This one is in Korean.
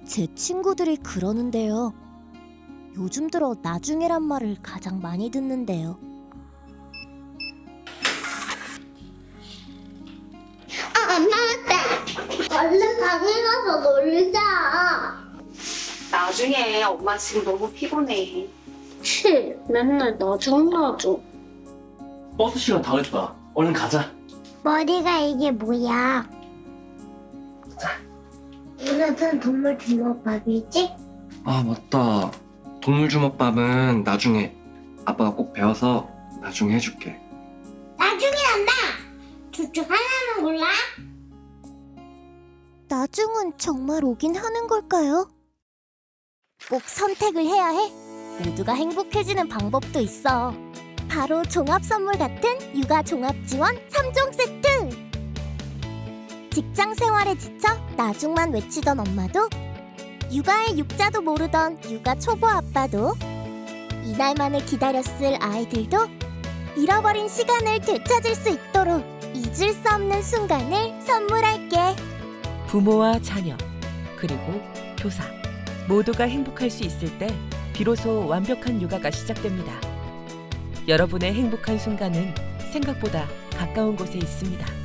제 친구들이 그러는데요. 요즘 들어 나중에란 말을 가장 많이 듣는데요. 안 나왔대. 얼른 방에 가서 놀자. 나중에 엄마 지금 너무 피곤해. 맨날 나중. 버스 시간 다 됐다. 얼른 가자. 머리가 이게 뭐야? 오늘은 동물 주먹밥이지? 아, 맞다. 동물 주먹밥은 나중에 아빠가 꼭 배워서 나중에 해줄게. 나중에 한다. 둘 중 하나만 골라. 나중은 정말 오긴 하는 걸까요? 꼭 선택을 해야 해? 모두가 행복해지는 방법도 있어. 바로 종합선물 같은 육아 종합지원 3종 세트! 직장 생활에 지쳐 나중만 외치던 엄마도, 육아의 육자도 모르던 육아 초보 아빠도, 이날만을 기다렸을 아이들도 잃어버린 시간을 되찾을 수 있도록 잊을 수 없는 순간을 선물할게. 부모와 자녀, 그리고 교사 모두가 행복할 수 있을 때 비로소 완벽한 육아가 시작됩니다. 여러분의 행복한 순간은 생각보다 가까운 곳에 있습니다.